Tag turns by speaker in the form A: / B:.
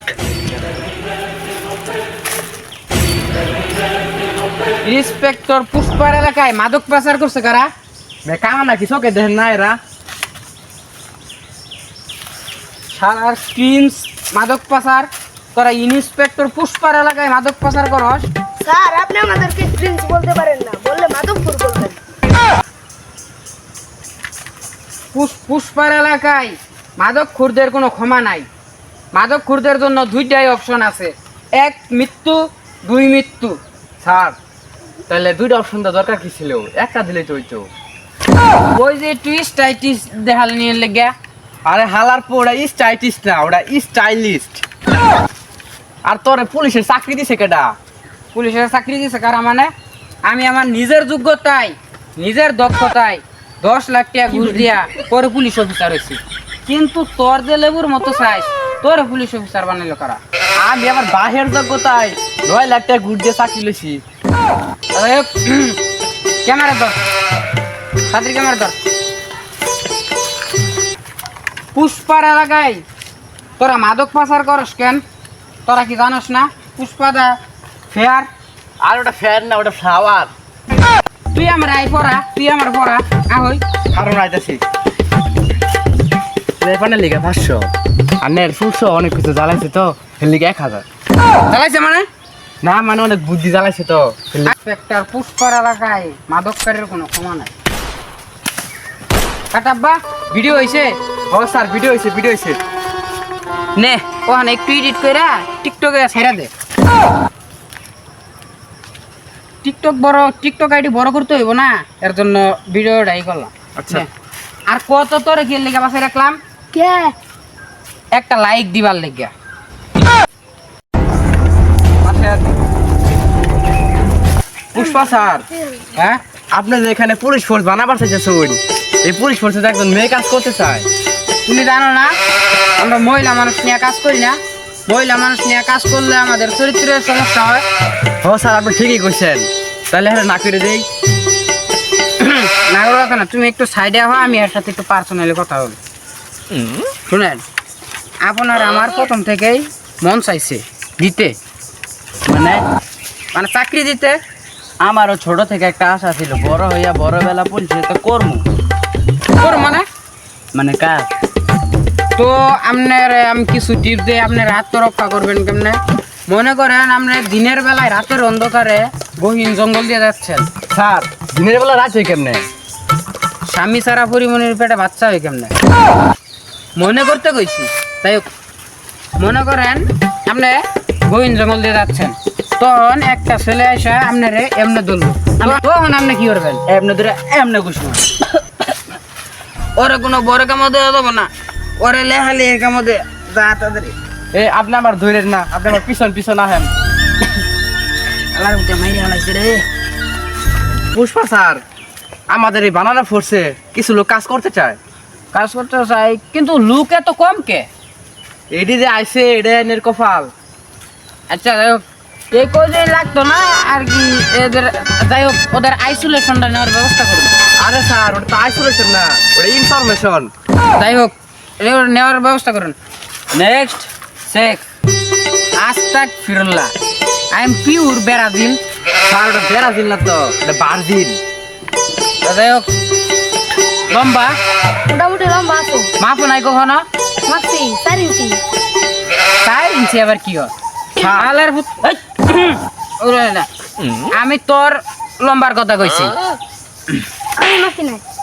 A: Inspector পুষ্পার এলাকায় মাদক পাচার করছে কারা?
B: কামা নাকি চোখে দেখেন না এরা?
A: সারার প্রিন্স মাদক পাচার, তোরা ইন্সপেক্টর পুষ্পার এলাকায় মাদক পাচার করস?
C: স্যার আপনি আমাদেরকে প্রিন্স বলতে পারেন না, বললে মাধবপুর বলবেন।
A: পুষ্পার এলাকায় মাদক খুরদের কোনো ক্ষমা নাই। মাদক খুরদের জন্য দুইটাই অপশন আছে, এক মৃত্যু, দুই মৃত্যু।
B: স্যার তাহলে দুইটা অপশন তো দরকার কি ছিল? একটা দিলেই তো হইতো।
A: ওই যে টুইস্ট টাইটিস দেখাল নিয়ে লেগে।
B: আরে হালার পর ওটা স্টাইলিস্ট না, ওটা স্টাইলিস্ট। আর তোরে পুলিশের চাকরি দিছে কেডা?
A: পুলিশের চাকরি দিছে কারা মানে? আমি আমার নিজের যোগ্যতায়, নিজের দক্ষতায় 10 লাখ টাকা ঘুষ দিয়া পরে পুলিশ অফিসার হয়েছি। কিন্তু তোর যে লেবুর মতো চাইস, তোর পুলিশ অফিসার বানাইলো কারা?
B: আমি আমার বাহের যোগ্যতায় 9 লাখ টাকা ঘুষ দিয়ে চাকরি লইছি।
A: ক্যামেরা ধর, ছাত্রী ক্যামেরা ধর। পুষ্পার এলাকায় তোরা মাদক পাচার করস কেন? তোরা কি জানোস না পুষ্পাদা ফেয়ার?
B: আর ওটা ফ্যান না, ওটা ফ্লাওয়ার।
A: তুই আমার আই পড়া, তুই আমার পড়া আহই।
B: কারণ আইতাছি লেপানের লিগে 500 আর নের ফুলশো অনেক কিছু জ্বালাইছে তো এর লিগে 1000।
A: চালাইছে মানে?
B: না মানে অনেক বুদ্ধি জ্বালাইছে তো।
A: ইন্সপেক্টর পুষ্পার এলাকায় মাদককারীর কোনো ক্ষমা নাই। কাটাব্বা ভিডিও হইছে?
B: ও স্যার ভিডিও হইছে।
A: নে ওখানে একটু এডিট কইরা টিকটকে ছেড়ে দে। টিকটক আইডি বড় করতে হইব না, এর জন্য ভিডিওটাই করলাম।
B: আচ্ছা।
A: নে, আর কত তোরে কি লেগে বাসায় রাখলাম?
C: কে?
A: একটা লাইক দিবার লেগে।
B: পুষ্পা স্যার,
A: হ্যাঁ
B: আপনি যে এখানে পুলিশ ফোর্স বানাবার চাইছেন, এই পুলিশ ফোর্সে তো একজন মেয়ে কাজ করতে চায়।
A: তুমি জানো না আমরা মহিলা মানুষ নিয়ে কাজ করি না? মহিলা মানুষ নিয়ে কাজ করলে আমাদের চরিত্রের সমস্যা হয়।
B: ও স্যার আপনি ঠিকই কইছেন, তাহলে হ্যাঁ না করে দেই।
A: না করো না, তুমি একটু সাইডে হও, আমি এর সাথে একটু পার্সোনালি কথা বলি। শুনেন, আপনার আমার প্রথম থেকেই মন চাইছে দিতে,
B: মানে
A: মানে চাকরি দিতে।
B: আমারও ছোট থেকে একটা আশা ছিল, বড় হইয়া বড় বেলা পুলিশে তো করবো।
A: তোর
B: মানে কাজ।
A: তো আপনার আমি কিছু টিপ দিয়ে আপনার আত্মরক্ষা করবেন কেমনে? মনে করেন আপনি দিনের বেলায় রাতের অন্ধকারে গহীন জঙ্গল দিয়ে যাচ্ছেন।
B: স্যার দিনের বেলা রাত হয় কেমনে?
A: স্বামী সারা পরিমণির পেটে বাচ্চা হয় কেমনে? মনে করতে কইছি। তাই হোক, মনে করেন আপনি গহীন জঙ্গল দিয়ে যাচ্ছেন, তখন একটা ছেলে এসে আপনারে এমনি ধরল, তখন আপনি কি করবেন?
B: এমনি ধরে এমনি ঘুষবো।
A: ওরে কোনো বড় কামো দেওয়া যাবে না, ওরে লেহালি কামো দে যা তাদের।
B: এ আপনি আমার ধৈর্যের না, আপনি আমার পিছন আহেন।
A: আল্লাহর মধ্যে মাইরে হালাইছে রে।
B: পুষ্পা স্যার, আমাদের এই বানানা ফোর্সে কিছু লোক কাজ করতে চায়।
A: কাজ করতে চাই, কিন্তু লোক এত কম কে?
B: এডি যে আইসে এটা এনের কপাল।
A: আচ্ছা যাই হোক, এই কদিন লাগতো না আর কি এদের, যাই হোক ওদের আইসোলেশনটা নেওয়ার ব্যবস্থা করুন।
B: আরে স্যার ওটা তো আইসোলেশন না, ওটা ইনফরমেশন।
A: যাই হোক নেওয়ার ব্যবস্থা করুন। Next Sheikh Astaq Firullah, I am pure Brazil.
B: Sir ওটা ব্রাজিল না তো, এটা ব্রাজিল।
A: যাই হোক, লম্বা
C: মোটামুটি লম্বা আছে।
A: মাপো নাই কখনো?
C: মাপছি 4 ইঞ্চি।
A: 4 ইঞ্চি আবার কি হয়? শালার ভূত। এই, ওরে না, আমি তোর লম্বার কথা কইছি।
C: আমি মাপছি না।